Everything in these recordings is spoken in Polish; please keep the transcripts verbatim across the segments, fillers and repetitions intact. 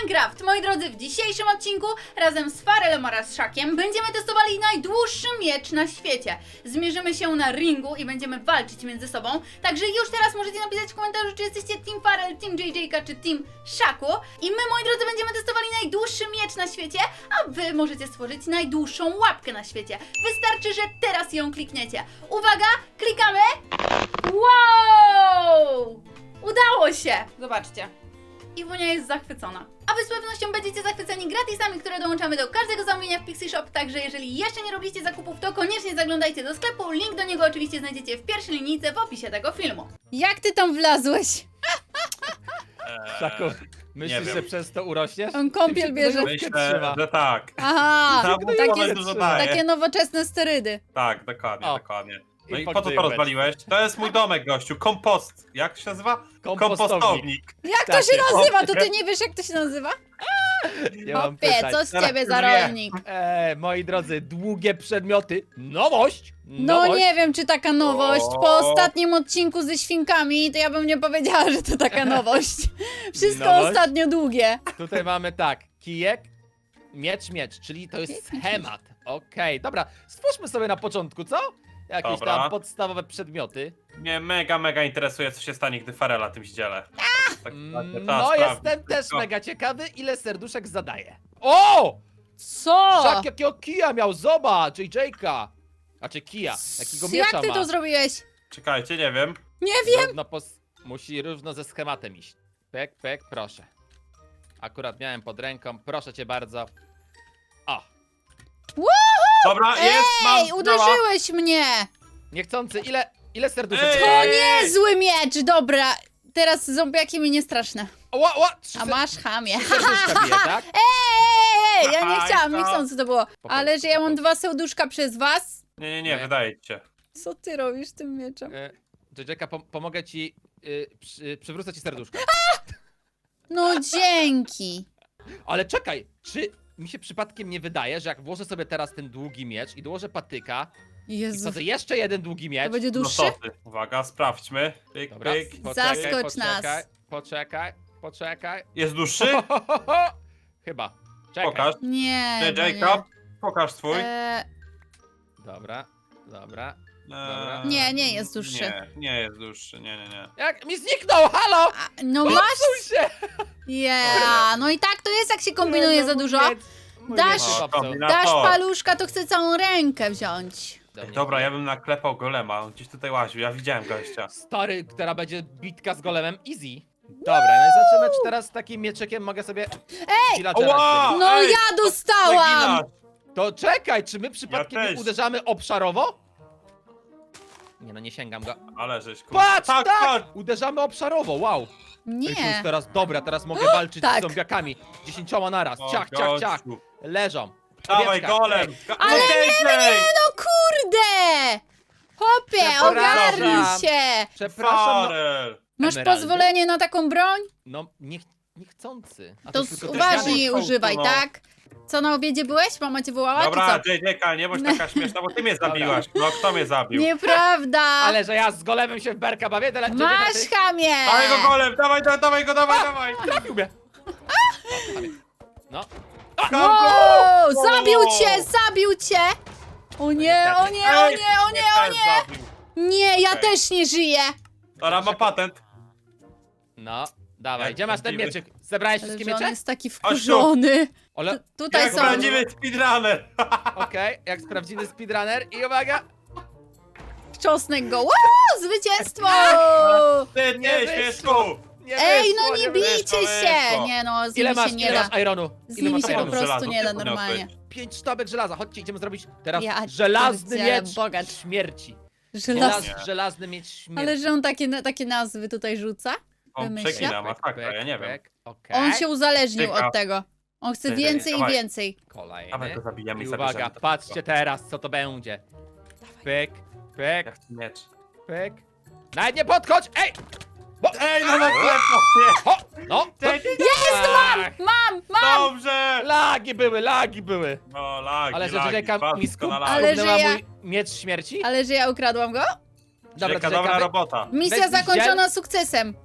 Minecraft. Moi drodzy, w dzisiejszym odcinku razem z Farelem oraz Szakiem będziemy testowali najdłuższy miecz na świecie. Zmierzymy się na ringu i będziemy walczyć między sobą. Także już teraz możecie napisać w komentarzu, czy jesteście Team Farel, Team J J czy Team Szaku. I my, moi drodzy, będziemy testowali najdłuższy miecz na świecie, a wy możecie stworzyć najdłuższą łapkę na świecie. Wystarczy, że teraz ją klikniecie. Uwaga, klikamy. Wow! Udało się! Zobaczcie. Iwunia jest zachwycona. A wy z pewnością będziecie zachwyceni gratisami, które dołączamy do każdego zamówienia w Pixie Shop, także jeżeli jeszcze nie robiliście zakupów, to koniecznie zaglądajcie do sklepu. Link do niego oczywiście znajdziecie w pierwszej linijce w opisie tego filmu. Jak ty tam wlazłeś? Szaku, myślisz, że przez to urośniesz? On kąpiel Tym się bierze. gnojówkę Myślę, trzyma. że tak. Aha, Tam takie, takie, dużo daje. takie nowoczesne sterydy. Tak, dokładnie, O. dokładnie. No I i po co to podjęłeś. rozwaliłeś? To jest mój domek, gościu. Kompost. Jak się nazywa? Kompostownik. Jak to Tak się jest. nazywa? To ty nie wiesz, jak to się nazywa? Nie mam Hopie, pytań. co z Teraz ciebie już za wie. rolnik? E, moi drodzy, długie przedmioty. Nowość! No Nowość. nie wiem, czy taka nowość. Po O. ostatnim odcinku ze świnkami, to ja bym nie powiedziała, że to taka nowość. Wszystko Nowość? ostatnio długie. Tutaj mamy tak, kijek, miecz, miecz, czyli to jest Kijek, miecz, schemat. Okej, dobra, stwórzmy sobie na początku, co? Jakieś Dobra. tam podstawowe przedmioty. Mnie mega, mega interesuje, co się stanie, gdy Farela tym zdzielę. Tak, tak, Mm, tak, No, sprawdzić jestem też tylko. mega ciekawy, ile serduszek zadaje. O! Co? Szak jakiego kija miał, zobacz, J J-ka. Znaczy kija, jakiego miecza Jak ty ma. to zrobiłeś? Czekajcie, nie wiem. Nie wiem. Równo pos... Musi równo ze schematem iść. Pek, pek, proszę. Akurat miałem pod ręką, proszę cię bardzo. O, Dobra, jest, mam. Ej, działa. uderzyłeś mnie. niechcący, ile, ile serduszek? Ej! To Ej. niezły miecz, dobra. Teraz zombiaki mi nie straszne. Ła, ła, trzy A ser- masz chamie. trzy serduszka bije, tak? Ej, ej, ja nie Aha, chciałam, to- nie chcąc to było. Po Ale prostu, że ja po mam prostu. dwa serduszka przez was? Nie, nie, nie, Nie. wydaje ci się. Co ty robisz tym mieczem? E, J J-ka, pom pomogę ci, y, przy, przywrócę ci serduszko. No dzięki. Ale czekaj, czy mi się przypadkiem nie wydaje, że jak włożę sobie teraz ten długi miecz i dołożę patyka i Jezu, wsadzę jeszcze jeden długi to miecz... będzie No dłuższy? co ty? Uwaga, sprawdźmy. Pyk, Dobra, pyk. poczekaj, Zaskocz nas. poczekaj, poczekaj, poczekaj. Jest dłuższy? Chyba. Czekaj. Pokaż. Nie, J no J, pokaż swój. nie. E, Dobra, dobra. Eee, Nie, nie jest dłuższy. Nie, nie jest dłuższy, nie, nie, nie. Jak mi zniknął, halo! a, no Popsuł masz? się! Yeah, no i tak to jest, jak się kombinuje No, za mój dużo. miecz- mój Dasz- miecz się O, popsuł. kombina- Dasz to. paluszka, to chcę całą rękę wziąć. Do mnie. Dobra, ja bym naklepał golema, on gdzieś tutaj łaził, ja widziałem gościa. Stary, która będzie bitka z golemem, easy. Dobra, no i zobaczymy, czy teraz takim mieczykiem mogę sobie... Ej! Ła! No Ej, ja dostałam! Naginasz. To czekaj, czy my przypadkiem Ja nie też. uderzamy obszarowo? Nie no, nie sięgam go. Ale żeś kurwa. Patrz, tak! tak! Uderzamy obszarowo, wow! Ej, to jest Nie. teraz dobra, teraz mogę walczyć tak. z zombiakami. Dziesięcioma naraz, O, ciach, ciach, ciach. gościu. Leżą. Dawaj Owieczka, golem! ej. Go- Ale no nie, No kurde! Hopie, Przepraszam. ogarnij się! Przepraszam, no, Farel! Masz Emeraldy? pozwolenie na taką broń? no nie, niechcący. A To jest z- tylko uważniej drewniane. używaj, No. tak? Co, na obiedzie byłeś? Mama cię wołała, Dobra, czy J J, nie bądź taka śmieszna, bo ty mnie zabiłaś. No kto mnie co? zabił? Nieprawda! Ale że ja z golemem się w berka bawię, tyle Masz chamie! Dawaj go golem, dawaj, dawaj, dawaj go, dawaj, dawaj! Trafił mnie. No, Wow, zabił cię, zabił cię! O nie, o nie, o nie, o nie, o nie! Nie, ja Okej. też nie żyję! Dobra, ma patent. no, dawaj, Jak gdzie masz ten prawdziwy- mieczyk? Zebrałeś Ale wszystkie że on miecze? jest taki Chodź tu. wkurzony. Ale, Tu- Tutaj Jak są. prawdziwy speedrunner. okej, jak sprawdzimy speedrunner i uwaga. Czosnek go. Wow, zwycięstwo! Ty, Nie ty, wyszło. śmieszku! Nie Ej, wyszło, no nie wyszło. bijcie wyszło, się! wyszło. Nie no, z Ile nimi masz, się nie ile da. masz ironu? Z Ile nimi masz się po ironu? prostu żelazo? nie da Ty normalnie. podniosłeś. Pięć sztabek żelaza, chodźcie, idziemy zrobić teraz Ja żelazny pierdzielę, miecz bogacz. śmierci. Żelaz... Nie. Żelazny miecz śmierci. Ale że on takie, takie nazwy tutaj rzuca? On Wymyśla? przegina, masakra, ja nie wiem. Okay. On się uzależnił Tyka. od tego. On chce Ty, więcej i dawaj. więcej. Dawaj Kolejny. go zabijamy I i uwaga, zabierzemy to patrzcie wszystko. teraz, co to będzie. Pyk, pyk, Ja chcę miecz. pyk. Nawet nie podchodź! Ej! Ej, no na klepno, nie! Ho! No! Ej, Jest, mam! Mam, mam! Dobrze! Lagi były, lagi były! No, lagi, Ale że lagi, Jacka bardzo mi skup, doskonale. Ale skubnęła że ja- mój miecz śmierci? Ale że ja ukradłam go? Dobra, Jacka, to dobra Jacka, robota. Misja Weź zakończona sukcesem. z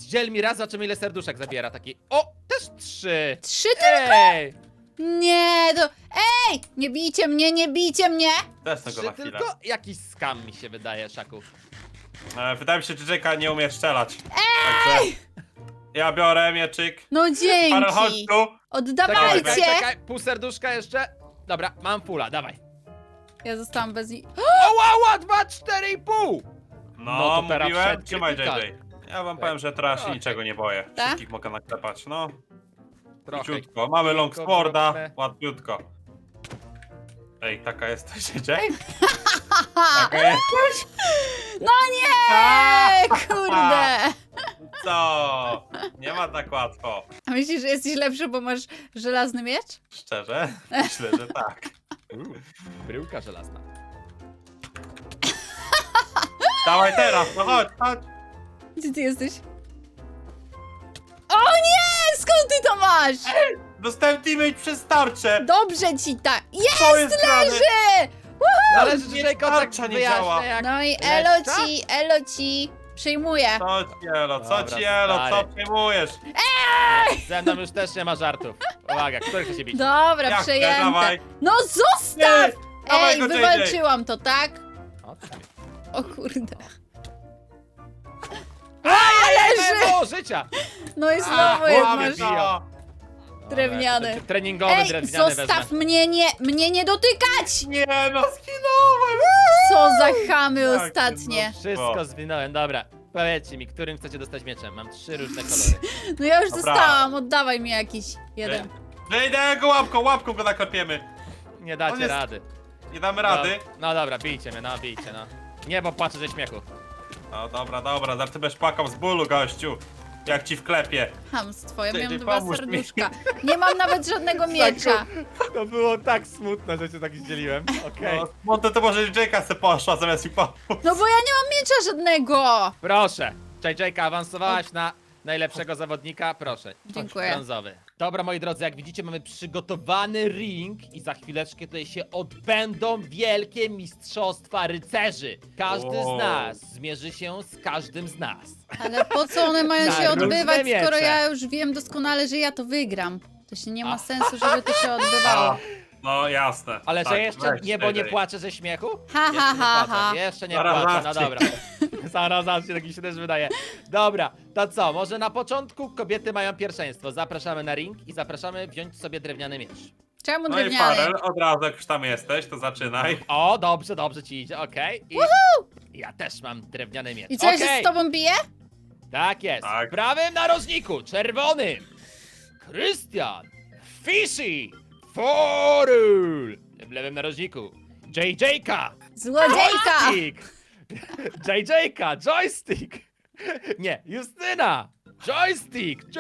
Zdziel mi raz, zobaczymy ile serduszek zabiera. Taki, o, też trzy. Trzy tylko? Ej, Nie, to... Ej! Nie bijcie mnie, nie bijcie mnie! Też tego trzy na chwilę. tylko? Jakiś skam mi się wydaje, Szaku. E, wydaje mi się, że Jacka nie umie strzelać. Także ja biorę mieczyk. No Farel, chodź dzięki! tu. Oddawajcie! Czekaj, czekaj, pół serduszka jeszcze. Dobra, mam fula, dawaj. Ja zostałam bez niej. Ała, ała, dwa, cztery i pół. No, No to teraz mówiłem, wszedł trzymaj krytykal. J J. Ja wam powiem, że teraz się Okej. niczego nie boję. Tak? Wszystkich mogę naklepać, no. Trochę. Króciutko. Mamy long Krótko, sporda, krótne. łatwiutko. Ej, taka jesteś, J J? Taka jesteś? No nie! Kurde! Co? Nie ma tak łatwo. A myślisz, że jesteś lepszy, bo masz żelazny miecz? Szczerze? Myślę, że tak. Uuu, bryłka żelazna. Dawaj teraz, no chodź, chodź. Gdzie ty jesteś? O nie! Skąd ty to masz? Dostałem teammate przez tarczę. Dobrze ci tak. Jest, Co jest grane? leży! Ale że nie, J J tak tarcza nie działa. wyjaśnia jak... No i Leszcza? elo ci, elo ci. Przyjmuję. Co ci elo, co Dobra, ci elo, co stary. przejmujesz? Ze mną już też nie ma żartów. Uwaga, który chce się bić? Dobra, Jak chcę, przejęte. dawaj. No zostaw! Ty, dawaj Ej, go, J J. wywalczyłam to, tak? O, ty. O kurde. Leży! Mało życia! No i A, znowu jest łamie masz biją. No. drewniany. Dobra, treningowy Ej, drewniany zostaw wezmę. mnie, nie, mnie nie dotykać! Nie no, skinąłem! Co za chamy Jak ostatnie. ty Wszystko zwinąłem, dobra. Powiedzcie mi, którym chcecie dostać mieczem? Mam trzy różne kolory. No ja już Dobra. dostałam, oddawaj mi jakiś jeden. Wejdę go łapką, łapką go naklepiemy. Nie On dacie jest- rady. Nie damy rady. No, no dobra, bijcie mnie, no bijcie, no. Nie, bo płaczę ze śmiechu. No dobra, dobra, zaraz ty będziesz płakał z bólu, gościu. Jak ci wklepie. Hamstwo, ja Ty, miałam ty dwa pomóż mi. serduszka. Nie mam nawet żadnego miecza. To było tak smutne, że cię tak zdzieliłem. Okej. No, no to, to może Jacka se poszła zamiast mi pomóc. No bo ja nie mam miecza żadnego. Proszę. J J, awansowałaś na najlepszego zawodnika, proszę. Chodź, Dziękuję. brązowy. Dobra, moi drodzy, jak widzicie, mamy przygotowany ring i za chwileczkę tutaj się odbędą wielkie mistrzostwa rycerzy. Każdy z Wow. nas zmierzy się z każdym z nas. Ale po co one mają Na się różne odbywać, miecze. skoro ja już wiem doskonale, że ja to wygram. To się nie ma A. sensu, żeby to się odbywało. A, no jasne. Ale Tak, że jeszcze weź, niebo nie J J. płacze ze śmiechu? Ha, Jeszcze ha, nie ha, płacze, ha. Jeszcze nie Zaraz płacze, no zawsze. dobra. Zaraz zawsze, tak mi się też wydaje. Dobra, to co? Może na początku kobiety mają pierwszeństwo. Zapraszamy na ring i zapraszamy wziąć sobie drewniany miecz. Czemu No i drewniany? Farel, od razu jak już tam jesteś, to zaczynaj. O, dobrze, dobrze ci idzie, okej. I ja też mam drewniany miecz. I co, ja się Okej, z tobą biję? tak jest. Tak. W prawym narożniku, czerwonym, Krystian, Fishy, Forul. W lewym narożniku, J J-ka, Złodziejka! Joystick! J J-ka, joystick! Nie, Justyna! Joystick! J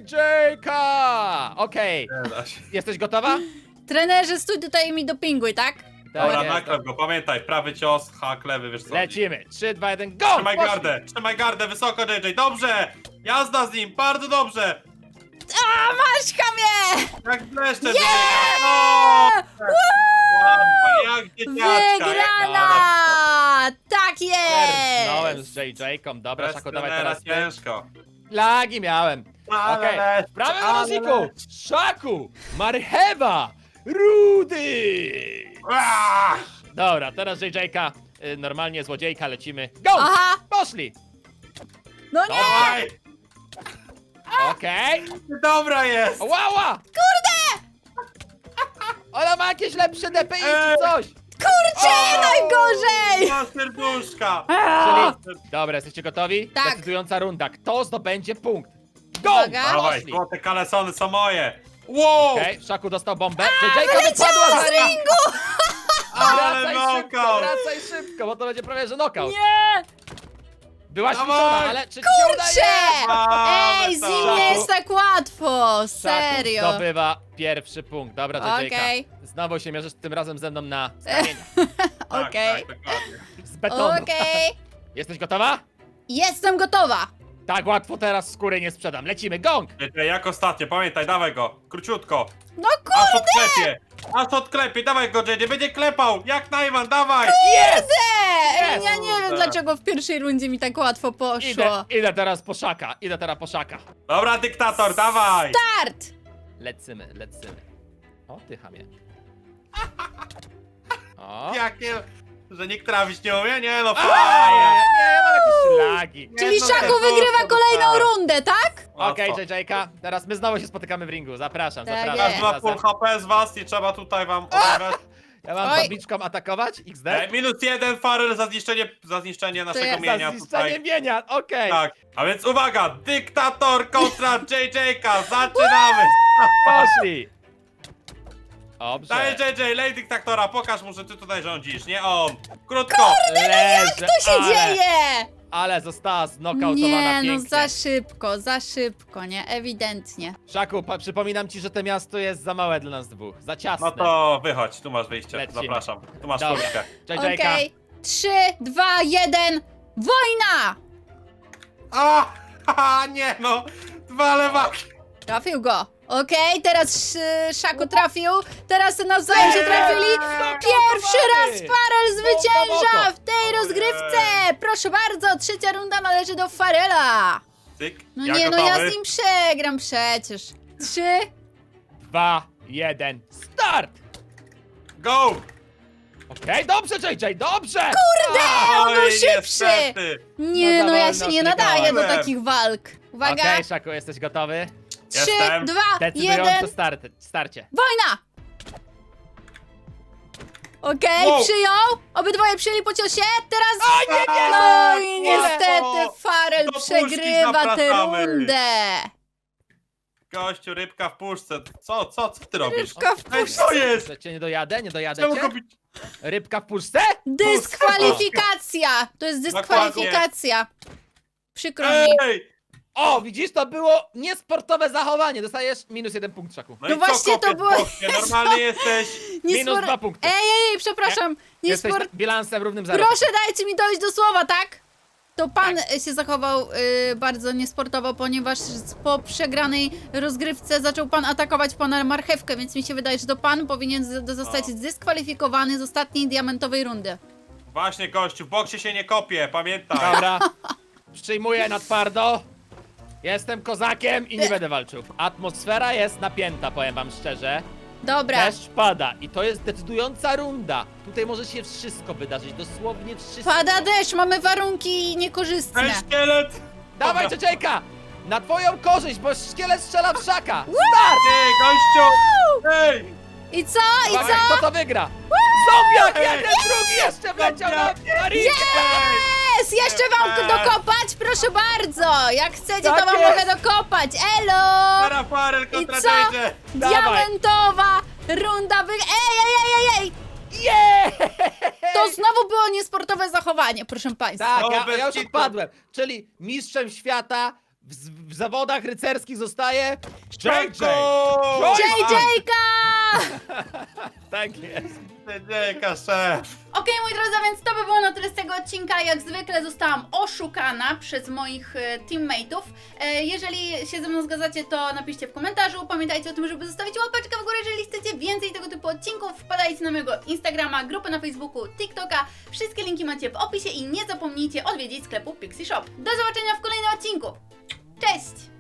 J-ka! Okej, Nie da się. jesteś gotowa? Trenerze, stój tutaj i mi dopinguj, tak? Dobra, jest. naklep go, pamiętaj, prawy cios, hak, lewy, wiesz co. Lecimy! trzy, dwa, jeden, go! Trzymaj Poszli. gardę, trzymaj gardę, wysoko J J, dobrze! Jazda z nim, bardzo dobrze! A, masz chamie! Jak bleszcze, J J! O! Łatwo, jak dzieciaczka! Wygrana! Tak Zerknąłem jest! z J J-ką, dobra, Bez Szaku, dawaj trenera teraz ty. ciężko. Lagi miałem. Ale Okej, leć, w prawym ale narożniku, leć. Szaku, Marchewa, Rudy! Aaa! Dobra, teraz J J-ka, y, normalnie złodziejka, lecimy. Go! Aha! Poszli! No nie! Dawaj! Okej. Dobra jest! Łała! Kurde! Ona ma jakieś lepsze D P I Ej! czy coś! Kurczę, O! najgorzej! Dwa serduszka! Czyli... Dobra, jesteście gotowi? Tak. Decydująca runda. Kto zdobędzie punkt? Go! Uwaga. Dawaj, Poszli! złote kalesony są moje! Wow! Okej, Szaku dostał bombę. J J-ka wypadła z ringu! Ale Wracaj szybko, knockout! wracaj szybko, bo to będzie prawie że knockout. Nie! Byłaś Dawaj! liczona, ale czy ci się Kurczę! udaje? Mamy Ej, z to. nim nie jest tak łatwo! Szaku Serio! zdobywa pierwszy punkt. Dobra, J J-ka. Okej. Znowu się mierzysz tym razem ze mną na skamieniach. Tak, Okej. tak, dokładnie. Z betonu. Okej. Jesteś gotowa? Jestem gotowa! Tak łatwo teraz skóry nie sprzedam. Lecimy, gong! J J, jak ostatnio, pamiętaj, dawaj go. Króciutko. No Aż kurde! odklepie. Aż odklepie, dawaj go, J J, będzie klepał. Jak Najman, dawaj. Jest! Ej, ja nie wiem Kurde. dlaczego w pierwszej rundzie mi tak łatwo poszło. Idę, idę teraz po szaka, idę teraz po szaka. Dobra, dyktator, dawaj. Start! Lecimy, lecimy. O, ty chamie. O. Jakie... Że nikt trafić nie umie? Nie no, A, fajnie. nie, mam jakieś lagi. Czyli no Szaku nie, wygrywa to- to kolejną tak. rundę, tak? Okej, Łatwo. J J-ka, teraz my znowu się spotykamy w ringu. Zapraszam, Tak zapraszam. jest. Każdy ma full H P z was, nie trzeba tutaj wam obawiać. Ja mam Oj. tabliczką atakować? X D? E, minus jeden Farel za zniszczenie, za zniszczenie naszego jest mienia Za zniszczenie tutaj. mienia, okej. Tak, a więc uwaga, dyktator kontra J J-ka, zaczynamy! Poszli. Dobrze. Daj J J, lej dyktatora, pokaż mu, że ty tutaj rządzisz, nie on. Krótko! Leży, Co się ale, dzieje? Ale została znokautowana Nie, no pięknie. za szybko, za szybko, nie? Ewidentnie. Szaku, pa- przypominam ci, że to miasto jest za małe dla nas dwóch. Za ciasne. No to wychodź, tu masz wyjście, Lecimy. zapraszam. Tu masz Dobra. furtkę. J J-ka. Okej. Trzy, dwa, jeden. Wojna! A, haha, nie no, dwa lewaki. Trafił go. Okej, teraz sz- Szaku trafił. Teraz nawzajem się trafili. Pierwszy raz Farel zwycięża w tej rozgrywce. Proszę bardzo, trzecia runda należy do Farela. Cyk, No ja nie, no gotowy. ja z nim przegram przecież. Trzy. Dwa, jeden, start! Go! Okej, dobrze, J J, dobrze! Kurde, on Oj, był szybszy. niestety. Nie, No no ja za się nie wolno nadaję do klikałem. takich walk. Uwaga. Okej, Szaku, jesteś gotowy? Trzy, Jestem. dwa, Decydujące jeden. start, starcie. Wojna! Okej, Wow. przyjął. Obydwoje przyjęli po ciosie. Teraz... A, nie, nie, No nie, i nie. niestety Farel Do puszki przegrywa tę zapraszamy. rundę. Gościu, rybka w puszce. Co, co, co ty robisz? Rybka w Ej, co jest? Że cię nie dojadę, nie dojadę Czemu cię? go bić? Rybka w puszce? Dyskwalifikacja. To jest dyskwalifikacja. Przykro mi. Ej! O, widzisz, to było niesportowe zachowanie. Dostajesz minus jeden punkt, Szaku. No, No i co, właśnie, to kopiec było- bocznie? Normalnie jesteś. Minus Niespor- dwa punkty. Ej, ej, ej, przepraszam. Jesteś Niespor... bilansem równym zero. Proszę dajcie mi dojść do słowa, tak? To pan się zachował y, bardzo niesportowo, ponieważ po przegranej rozgrywce zaczął pan atakować pana marchewkę, więc mi się wydaje, że to pan powinien z- zostać O. zdyskwalifikowany z ostatniej diamentowej rundy. Właśnie, gościu, w boksie się nie kopie, pamiętaj. Dobra. Przyjmuję na twardo. Jestem kozakiem i nie będę walczył. Atmosfera jest napięta, powiem wam szczerze. Dobra, Deszcz pada i to jest decydująca runda. Tutaj może się wszystko wydarzyć, dosłownie wszystko. pada deszcz, mamy warunki Ej, niekorzystne. szkielet! Dawaj, Dobra. J J-ka! Na twoją korzyść, bo szkielet strzela w szaka! Ej, gościu! Ej! I co? I Uwaga, co? kto to wygra? Zombiak! Ej! Jeden, drugi jeszcze wleciał na, na ring! Jest! Jeszcze wam Eee. dokopać? Proszę bardzo! Jak chcecie, to Tak wam jest. mogę dokopać! Elo! Para Farel kontra co? J J! Dawaj. Diamentowa runda wy... Ej, ej, ej, ej, ej! Yeah! To znowu było niesportowe zachowanie, proszę państwa. Tak, O, ja, bez ja już kitu. odpadłem. Czyli mistrzem świata w, z- w zawodach rycerskich zostaje J J! Go! J J-ka! Tak jest. J J, szef! Okej, moi drodzy, a więc to by było na tyle z tego odcinka. Jak zwykle zostałam oszukana przez moich e, teammateów. E, jeżeli się ze mną zgadzacie, to napiszcie w komentarzu. Pamiętajcie o tym, żeby zostawić łapeczkę w górę, jeżeli chcecie więcej tego typu odcinków. Wpadajcie na mojego Instagrama, grupę na Facebooku, TikToka. Wszystkie linki macie w opisie i nie zapomnijcie odwiedzić sklepu Pixie Shop. Do zobaczenia w kolejnym odcinku. Cześć!